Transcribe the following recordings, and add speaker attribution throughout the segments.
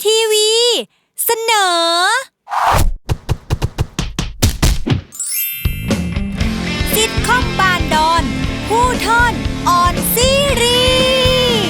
Speaker 1: ทีวีเสนอซิทคอมบานดอนผู้ท่อนออนซีรีส์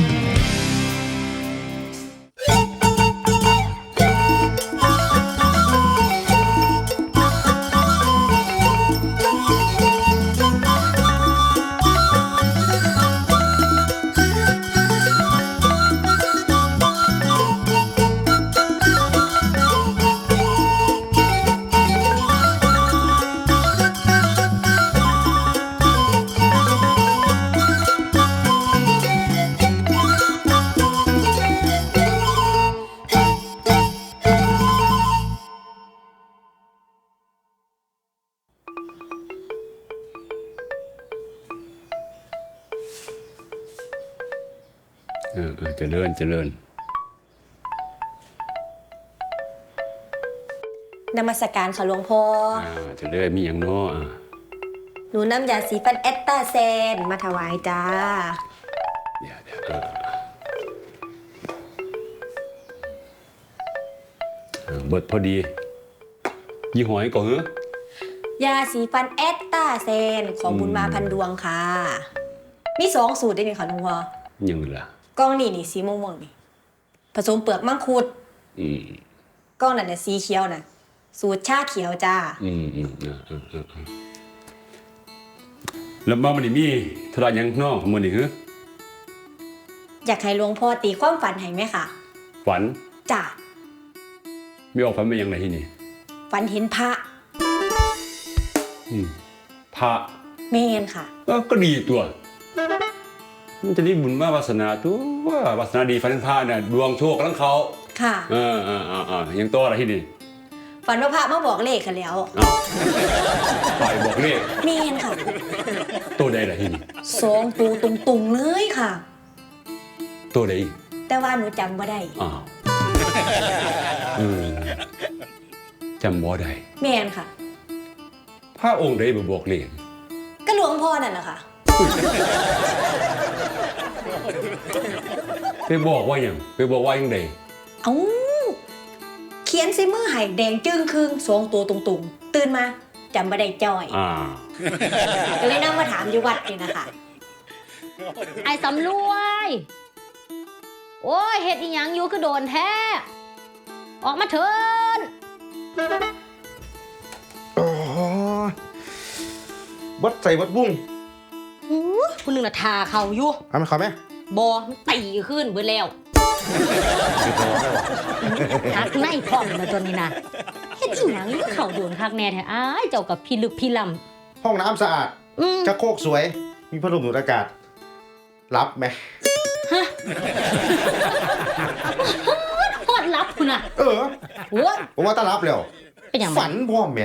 Speaker 2: เจริญ
Speaker 3: นมัสการค่ะหลวงพ่อ
Speaker 2: เจริญมีอย่างน้อ
Speaker 3: หนูนำยาสีฟันเอสตาเซนมาถวายจ้า
Speaker 2: เดี๋ยวเบิดพอดียี่ห้อยก่อนเหร
Speaker 3: อยาสีฟันเอสตาเซนของบุญมาพันดวงค่ะมี2 สูตรได้ไหมคะหลวงพ่อ
Speaker 2: ยังล่ะ
Speaker 3: กล้องนี่สีม่วงนี่ผสมเปลือกมังคุดกล้องนั่นน่ะสีเขียวน่ะสูตรชาเขียวจ้า
Speaker 2: แล้วมามันนี่มีธุระหยังน้อมื้อนี้เหรอ
Speaker 3: อยากให้หลวงพ่อตีความฝันให้ไหมคะ
Speaker 2: ฝัน
Speaker 3: จ้า
Speaker 2: มีออกฝันเป็นยังไงที่นี่
Speaker 3: ฝันเห็นพระ
Speaker 2: พระ
Speaker 3: แม่นค่ะ
Speaker 2: ก็ดีตัวมันจะได้บุญมาวาสนาตัววาสนาดีฝันเห็นพระน่ะดวงโชคกำลังเขา
Speaker 3: ค่ะ
Speaker 2: ยังโตอะไรที่นี่
Speaker 3: ฝันว่าพระมาบอกเลขกันแล้ว
Speaker 2: ปล่อยบอกเลข
Speaker 3: แม่นค่ะ
Speaker 2: ตัวใดล่ะที่นี่
Speaker 3: 2 ตัวตรงๆเลยค่ะ
Speaker 2: ตัวใด
Speaker 3: แต่ว่าหนูจำบ่ได้
Speaker 2: จำบ่ได้
Speaker 3: แม่นค่ะ
Speaker 2: พระองค์ใดบ่บอกเลข
Speaker 3: ก็หลวงพ่อนั่นแหละค่ะ
Speaker 2: ไปบอกว่าอย่างไปบอกว่าอย่างใด
Speaker 3: เขียนใส่มือให้แดงจึ้งครึ่ง2 ตัวตรงๆตื่นมาจำบ่ได้จ้อยก็เลยนั่งมาถามอยู่วัดนี่นะคะ
Speaker 4: ไอ้สำรวยโอ้ยเฮ็ดอีหยังอยู่คือโดนแท้ออกมาเถิน
Speaker 5: วัดใส่วัดบุ้ง
Speaker 4: คุณนึงน่ะทาเขาอยู่
Speaker 5: ทำไหมครับแม่
Speaker 4: บ่มันตีขึ้นเบิดแล้วหักในพร้อมมาตัวนี้นะเฮ็ดอีหยังอยู่เขาโดนคักแน่แท้อ้ายเจ้ากับพี่ลึกพี่ล
Speaker 5: ำห้องน้ำสะอาดชักโครกสวยมีพัดลมดูดอากาศรับไหม
Speaker 4: ฮะโคตรรับคุณน่ะ
Speaker 5: โอ้ผมว่าต้อนรับแล้ว
Speaker 4: เป็นหยัง
Speaker 5: ฝันพร้อมแม่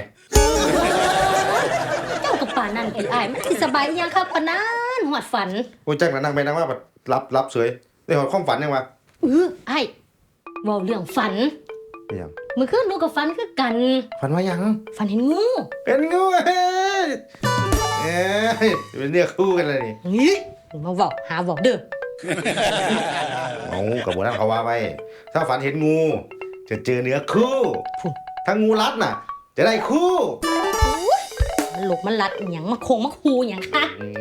Speaker 4: เจ้ากับป่านนั่นพี่อ้ายมันสิสบายยังครับปานนั้นหอดฝัน
Speaker 5: โอ้ยจังนั่งไปนั่งว่าแบบรับสวยได้หอดความฝันยังวะ
Speaker 4: ไอ้เว้าเรื่องฝัน
Speaker 5: เป็นหยัง
Speaker 4: มื้อคืนหนูก็ฝันคือกัน
Speaker 5: ฝันว่าหยัง
Speaker 4: ฝันเห็นงู
Speaker 5: เป็นเนื้อคู่กันเลย
Speaker 4: นี่มาเว้าหาเว้าเด้อ
Speaker 5: กับโบราณเขาว่าไว้ถ้าฝันเห็นงูจะเจอเนื้อคู่ถ้างูรัดน่ะจะได้คู่
Speaker 4: มันหลกมันรัดอีหยังมาโคงมาคูหยังคะ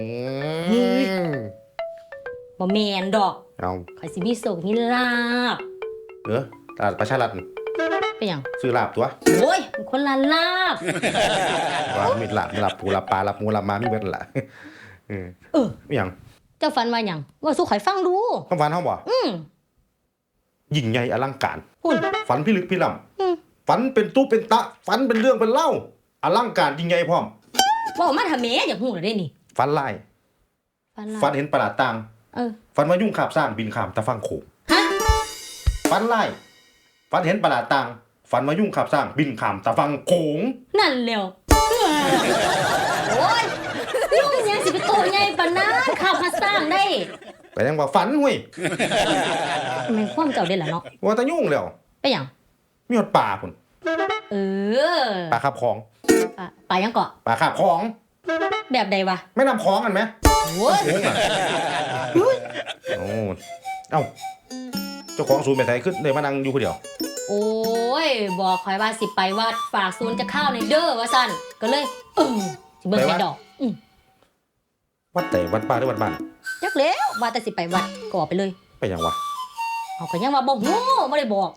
Speaker 4: บ่แม่นดอกข่อยสิมีโชคมีลาภ
Speaker 5: ตลาดประชารัฐ
Speaker 4: เป็นหยัง
Speaker 5: ซื้อลาบตัว
Speaker 4: โอ้ยมันคนละลาบ
Speaker 5: ว่ามีลาบปูลาบปลาลาบหมูลาบม้ามีเบิดล่ะเป็นหยัง
Speaker 4: เจ้าฝันว่าหยังว่าสู้ข่อยฟังดู
Speaker 5: ความฝันเฮาบ่ยิ่งใหญ่อลังการฝันพิลึกพิลั่มฝันเป็นตู้เป็นตะฝันเป็นเรื่องเป็นเล่าอลังการยิ่งใหญ่พร้อม
Speaker 4: ว่ามาทำแม่อย่างหู้ได้นี่
Speaker 5: ฝันลายฝันเห็นประหลาดต่างฝันว่ายุ่งขาบสร้างบินข้ามตะฟังโขงฝันลายฝันเห็นประหลาดต่างฝันว่ายุ่งขาบสร้างบินข้ามตะฟังโขง
Speaker 4: นั่นแล้วโอ้ยยุ่งยังสิไปโตใหญ่ปานนั้นขับมาสร้างได้
Speaker 5: ไปยังว่าฝันหุ้ย
Speaker 4: มันความเจ้าได้ล่ะเนาะ
Speaker 5: ว่าตะยุ่งแล้ว
Speaker 4: ไปหยัง
Speaker 5: มีหดป่าพุ่นป่าคาบของ
Speaker 4: ป่ายังเกาะ
Speaker 5: ป่าคาบของ
Speaker 4: แบบใดวะ
Speaker 5: ไม่นำของกันไหม
Speaker 4: โอ้ย
Speaker 5: เอ้าเจ้าของศูนย์ไปไสขึ้นได้มานั่งอยู่คนเดียว
Speaker 4: โอ้ยบอกข่อยว่าสิไปวัดฝากศูนย์จะเข้าในเด้อว่าซั่นก็เลยสิเบิ่งให้ดอก
Speaker 5: วัดไหนวัดป่าหรือวัดบ้าน
Speaker 4: จักแล้วว่าแต่สิไปวัดก็ออกไปเลย
Speaker 5: ไปหยังวะ
Speaker 4: เอาก็ยังว่าบ่ฮู้บ่ได้บอก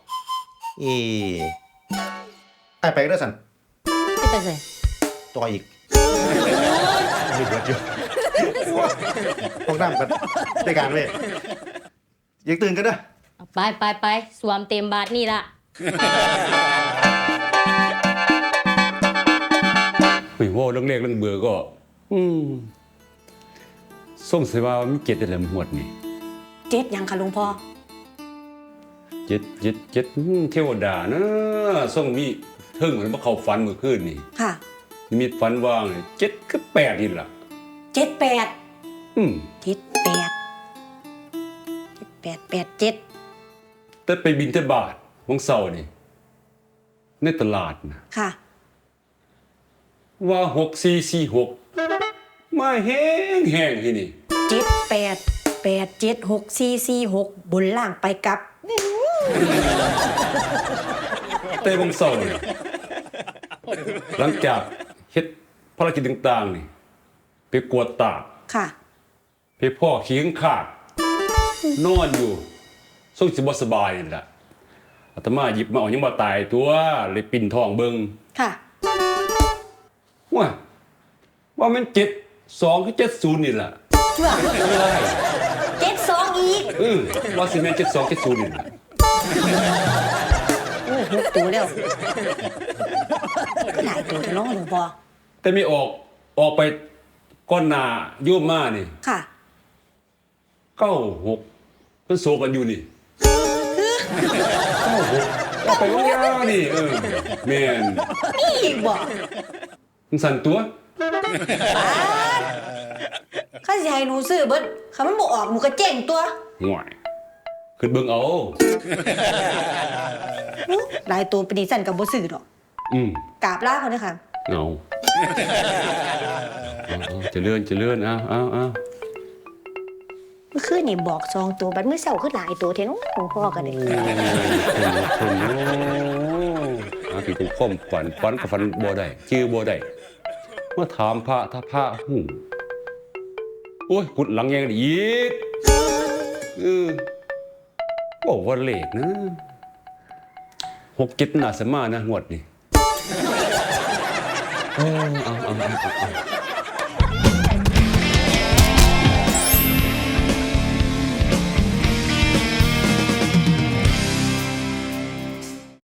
Speaker 5: ไอ้ไปเด้อสัน
Speaker 4: ไปไส
Speaker 5: ต่ออีกไม่เบิดอยู่ห้องน้ำกันได้การเว้ยอยากตื่นกันเด้อ
Speaker 4: ไปสวมเต็มบาทนี่ล่ะ
Speaker 2: ไม่ว่าเรื่องเลขเรื่องเบอร์ก็ส่งเสียว่ามีเจ็ดอะไรหมดนี่
Speaker 3: เจ็ดยังค่ะหลวงพ่อ
Speaker 2: เจ็ดเทวดานะส่งมีเทิงเหมือนว่าเขาฝันเมื่อคืนนี่
Speaker 3: ค่ะ
Speaker 2: มีฝันว่างเจ็ดคือแปดนี่ล่ะ
Speaker 3: 78 78
Speaker 2: แต่ไปบินเทบาทวังเสาร์นี่ในตลาดนะ
Speaker 3: ค่ะ
Speaker 2: ว่า6446มาแห้งที่นี่
Speaker 3: 78876446บนล่างไปกลับ
Speaker 2: แต่วังเสาร์นี่หลังจากเฮ็ดภารกิจต่างๆนี่ไปกวดตาก
Speaker 3: ค่ะ
Speaker 2: ไปพ่อขี้ข้างขาดนอนอยู่ทรงสิบ่สบายนี่ล่ะอาตมาหยิบมาเอายังบ่ตายตัวเลยปิ่นท้องเบิ่ง
Speaker 3: ค่ะ
Speaker 2: ว่ามัน72คือ70นี่ล่ะ
Speaker 3: ว่า
Speaker 2: ไม่ได้
Speaker 3: 72อีก
Speaker 2: ว่าสิแม่น72 70นี่ล่ะ
Speaker 3: โอ้6ตัวแล้วหลายตัวจะน้องหลวงพ่อ
Speaker 2: แต่ไม่ออกไปก้อนหน้าโยมมานี่
Speaker 3: ค่ะ
Speaker 2: 96เพิ่นโซกันอยู่นี่96เอาไปว่ายานี่แม่น
Speaker 3: นี่อีกบ่
Speaker 2: มันสั่นตัว
Speaker 3: ข้าสิให้หนูซื้อเบิดคันมันบ่ออกหนูก็เจ๊งตัว
Speaker 2: ห่วยขึ้นเบิ่งเอา
Speaker 3: หลายตัวเป็นดิฉันก็บ่ซื้อดอก กราบลาเขาเด้อค่ะ
Speaker 2: เอาเจริญเอา
Speaker 3: เมื่อคืนนี่บอก2ตัวบัดมื้อเช้าคือหลายตัวแท้เนาะหลวงพ่อก็ได้
Speaker 2: อาที่กูข้อมฝันกับฝันบ่ได้ชื่อบ่ได้มาถามพระถ้าพระหูโอ้ยกุดหลังแยงอีกบอกว่าเลขนะ6-7น่าสมานะงวดนี่เอา